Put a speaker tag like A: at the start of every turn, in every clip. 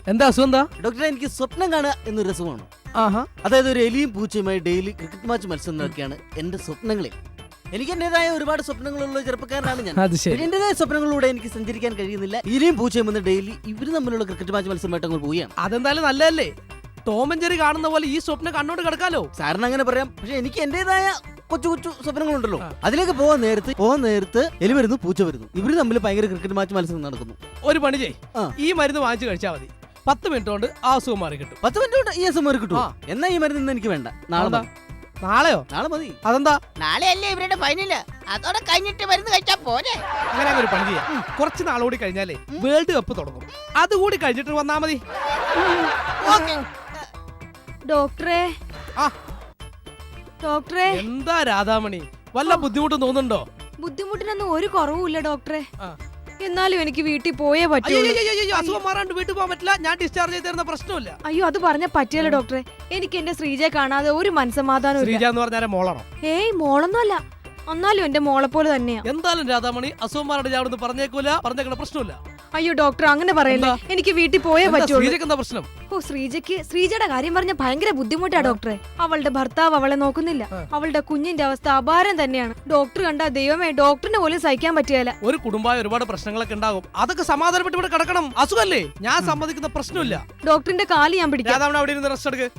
A: എന്താ അസുഖം? എന്താ
B: ഡോക്ടറെ, എനിക്ക് സ്വപ്നം കാണുക എന്നൊരു രസമാണ്.
A: ആഹാ.
B: അതായത് ഒരു എലിയും പൂച്ചയുമായി ഡെയിലി ക്രിക്കറ്റ് മാച്ച് മത്സരങ്ങളൊക്കെയാണ് എന്റെ സ്വപ്നങ്ങളിൽ. എനിക്ക് എന്റേതായ ഒരുപാട് സ്വപ്നങ്ങളുള്ള ചെറുപ്പക്കാരനാണ് ഞാൻ.
A: അത് ശരി.
B: എന്റേതായ സ്വപ്നങ്ങളിലൂടെ എനിക്ക് സഞ്ചരിക്കാൻ കഴിയുന്നില്ല. എലിയും പൂച്ചയും വന്ന് ഡെയിലി ഇവര് തമ്മിലുള്ള ക്രിക്കറ്റ് മാച്ച് മത്സരമായിട്ട് അങ്ങ് പോവുകയാണ്.
A: അതെന്തായാലും നല്ലതല്ലേ? ടോം ആൻഡ് ജെറി കാണുന്ന പോലെ ഈ സ്വപ്നം കണ്ണോട് കിടക്കാലോ.
B: സാറിന് അങ്ങനെ പറയാം, പക്ഷെ എനിക്ക് എന്റേതായ കൊച്ചു കൊച്ചു സ്വപ്നങ്ങളുണ്ടല്ലോ. അതിലേക്ക് പോകാൻ നേരത്ത് എലി വരുന്നു, പൂച്ച വരുന്നു. ഇവര് തമ്മിൽ ഭയങ്കര ക്രിക്കറ്റ് മാച്ച് മത്സരം നടക്കുന്നു.
A: ഒരു പണി ചെയ്, ഈ മരുന്ന് വാങ്ങിച്ചു കഴിച്ചാൽ മതി. 10 മിനിറ്റ് കൊണ്ട് ആ അസുഖം മാറി കിട്ടും.
B: 10 മിനിറ്റ് കൊണ്ട് ഈ അസുഖം മാറി കിട്ടും. എന്നാ ഈ മരുന്ന് എനിക്ക് വേണ്ട, നാളെ.
A: നാളെയോ?
B: നാളെ മതി.
A: അതെന്താ?
C: നാളെ അല്ലേ ഇവരുടെ ഫൈനല്, അതോടെ കഴിഞ്ഞിട്ട് മരുന്ന് കഴിച്ചാ പോരെ.
A: അങ്ങനെ ഒരു പണി ചെയ്യാം, കുറച്ച് നാളുകൂടി കഴിഞ്ഞാലേ വേൾഡ് കപ്പ് തുടങ്ങും. അതുകൂടി കഴിഞ്ഞിട്ട് വന്നാ മതി.
D: ഡോക്ടറെ, ഡോക്ടറെ.
A: എന്താ രാധാമണി, വല്ല ബുദ്ധിമുട്ടും തോന്നുന്നുണ്ടോ?
D: ബുദ്ധിമുട്ടിനൊന്നും ഒരു കുറവുമില്ല ഡോക്ടറെ. എന്നാലും എനിക്ക് വീട്ടിൽ പോയേ പറ്റൂ.
A: അസുഖം മാറാണ്ട് വീട്ടിൽ പോകാൻ പറ്റില്ല. ഞാൻ ഡിസ്ചാർജ് ചെയ്ത് തരുന്ന പ്രശ്നമില്ല.
D: അയ്യോ, അത് പറഞ്ഞ പറ്റിയല്ലോ ഡോക്ടറെ. എനിക്ക് എന്റെ ശ്രീജയെ കാണാതെ ഒരു മനസ്സമാധാനം.
A: ശ്രീജ എന്ന് പറഞ്ഞാൽ മോളാണോ?
D: ഏയ്, മോളൊന്നും അല്ല. എന്നാലും എന്റെ മോളെ പോലെ തന്നെയാ.
A: എന്തായാലും രാധാമണി, അസുഖം മാറാണ്ട് ഞാൻ അവിടുന്ന് പറഞ്ഞേക്കൂല, പറഞ്ഞേക്കണ പ്രശ്നമില്ല.
D: അയ്യോ ഡോക്ടർ, അങ്ങനെ പറയല്ലേ. എനിക്ക് വീട്ടിൽ പോയേ പറ്റൂ.
A: എന്താ പ്രശ്നം?
D: ഓ, ശ്രീജയുടെ കാര്യം പറഞ്ഞ ഭയങ്കര ബുദ്ധിമുട്ടാ ഡോക്ടറെ. അവളുടെ ഭർത്താവ് അവളെ നോക്കുന്നില്ല. അവളുടെ കുഞ്ഞിന്റെ അവസ്ഥ അപാരം തന്നെയാണ്. ഡോക്ടർ കണ്ടാ ദൈവമേ, ഡോക്ടറിന് പോലും സഹിക്കാൻ പറ്റിയല്ല.
A: ഒരു കുടുംബമായ ഒരുപാട് പ്രശ്നങ്ങളൊക്കെ ഉണ്ടാകും. അതൊക്കെ സമാധാനപ്പെട്ട് ഇവിടെ കിടക്കണം. അസുഖല്ലേ, ഞാൻ സമ്മതിക്കുന്ന പ്രശ്നമില്ല.
D: ഡോക്ടറിന്റെ കാല് ഞാൻ പിടിക്കാം.
A: അവിടെ ഇരുന്ന് റെസ്റ്റ് എടുക്ക്.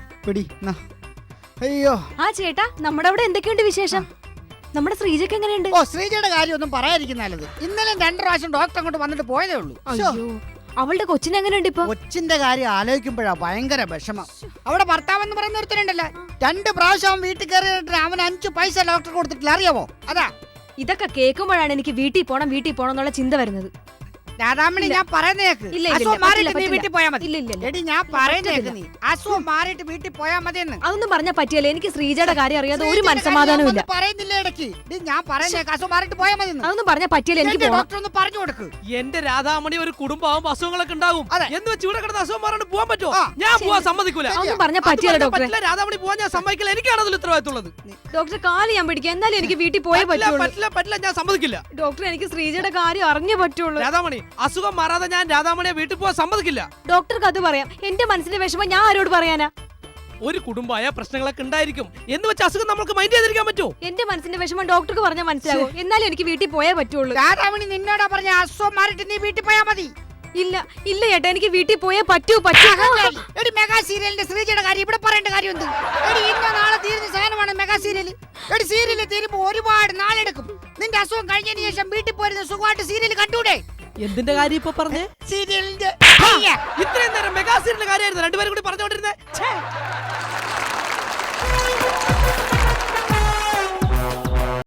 C: അയ്യോ.
D: ആ ചേട്ടാ, നമ്മുടെ അവിടെ എന്തൊക്കെയുണ്ട് വിശേഷം? നമ്മുടെ ശ്രീജയ്ക്ക് എങ്ങനെയുണ്ട്?
C: ഓ, ശ്രീജയുടെ കാര്യം ഒന്നും പറയാതിരിക്കുന്ന നല്ലത്. ഇന്നലെ 2 പ്രാവശ്യം ഡോക്ടർ അങ്ങോട്ട് വന്നിട്ട് പോയതേ ഉള്ളൂ.
D: അയ്യോ, അവളുടെ കൊച്ചിന് എങ്ങനെയുണ്ട് ഇപ്പൊ?
C: കൊച്ചിന്റെ കാര്യം ആലോചിക്കുമ്പോഴാ ഭയങ്കര വിഷമം. അവിടെ ഭർത്താവ് എന്ന് പറയുന്ന ഒരുത്തനുണ്ടല്ലോ, 2 പ്രാവശ്യം അവൻ വീട്ടിൽ കയറിയിട്ട് അവൻ 5 പൈസ ഡോക്ടർ കൊടുത്തിട്ടില്ല, അറിയാമോ? അതാ
D: ഇതൊക്കെ കേൾക്കുമ്പോഴാണ് എനിക്ക് വീട്ടിൽ പോണം എന്നുള്ള ചിന്ത വരുന്നത്.
C: രാധാമണി, ഞാൻ പറയുന്നേക്ക്.
D: ഇല്ല,
C: അസുഖം മാറിയിട്ട് നീ വീട്ടിൽ പോയാ മതി.
D: ഇല്ല.
C: എടി, ഞാൻ പറയുന്നേക്ക്, നീ അസുഖം മാറിയിട്ട് വീട്ടിൽ പോയാ മതിയെന്ന്.
D: അതൊന്നും പറഞ്ഞാ പറ്റിയല്ല. എനിക്ക് ശ്രീജയുടെ കാര്യം അറിയാതെ ഒരു മനസ്സമാധാനവും ഇല്ല.
C: പറയുന്നില്ല ഇടയ്ക്ക്. ഞാൻ പറയുന്നേക്ക്, അസുഖം മാറിയിട്ട് പോയാ മതി.
D: അതൊന്നും പറഞ്ഞാ പറ്റിയല്ല. എനിക്ക്
C: ഡോക്ടർ ഒന്ന് പറഞ്ഞു കൊടുക്ക്.
A: എന്റെ രാധാമണി, ഒരു കുടുംബമാകുമ്പോ അസുഖങ്ങളൊക്കെ ഉണ്ടാവും. എന്ന് വെച്ച് ഇവിടെ കിടന്ന അസുഖം മാറാണ്ട് പോകാൻ പറ്റുമോ?
D: ആ,
A: ഞാൻ പോവാൻ സമ്മതിക്കൂല.
D: അതൊന്നും പറഞ്ഞാ പറ്റിയല്ല ഡോക്ടറെ.
A: രാധാമണി പോവാൻ ഞാൻ സമ്മതിക്കില്ല. എനിക്കാണ് അതിൽ ഉത്തരവാദിത്തമുള്ളത്.
D: ഡോക്ടർ, കാല് ഞാൻ പിടിക്കാം. എന്നാലും എനിക്ക് വീട്ടിൽ പോയേ പറ്റുള്ളൂ.
A: പറ്റില്ല, ഞാൻ സമ്മതിക്കില്ല.
D: ഡോക്ടർ, എനിക്ക് ശ്രീജയുടെ കാര്യം അറിഞ്ഞേ പറ്റുള്ളൂ.
A: രാധാമണി, അസുഖം മാറാതെ ഞാൻ രാധാമണിയെ വീട്ടിൽ പോവാൻ സമ്മതിക്കില്ല.
D: ഡോക്ടർക്ക് അത് പറയാം. എന്റെ മനസ്സിന്റെ വിഷമം ഞാൻ ആരോട് പറയാനാ?
A: ഒരു കുടുംബമായ പ്രശ്നങ്ങളൊക്കെ ഉണ്ടായിരിക്കും. എന്ന് വെച്ച് അസുഖം നമുക്ക് മൈൻഡ് ചെയ്തിരിക്കാൻ പറ്റുമോ?
D: എന്റെ മനസ്സിന്റെ വിഷമം ഡോക്ടർക്ക് പറഞ്ഞാൽ മനസ്സിലാവും. എന്നാലും എനിക്ക് വീട്ടിൽ പോയേ പറ്റുള്ളൂ.
C: രാധാമണി, നിന്നോടാ പറഞ്ഞ അസുഖം മാറിയിട്ട് നീ വീട്ടിൽ പോയാ മതി.
D: ഇല്ല ചേട്ടാ, എനിക്ക് വീട്ടിൽ പോയേ പറ്റൂ.
C: എടി, മെഗാ സീരിയലിന്റെ ശ്രീജയുടെ കാര്യം ഇവിടെ പറയേണ്ട കാര്യം എന്ത്? എടി, ഇന്ന നാളെ തീരുന്ന സാധനമാണ് മെഗാ സീരിയൽ. എടി, സീരിയൽ തീരുമ്പോ ഒരുപാട് നാളെടുക്കും. നിന്റെ അസുഖം കഴിഞ്ഞതിന് ശേഷം വീട്ടിൽ പോരുന്ന സുഖമായിട്ട് സീരിയൽ കണ്ടൂടെ?
A: എന്തിന്റെ കാര്യം ഇപ്പൊ പറഞ്ഞേ?
C: സീരിയലിന്റെ.
A: ഇത്രയും നേരം മെഗാ സീരിയലിന്റെ കാര്യമായിരുന്നു രണ്ടുപേരും കൂടി പറഞ്ഞുകൊണ്ടിരുന്നേ.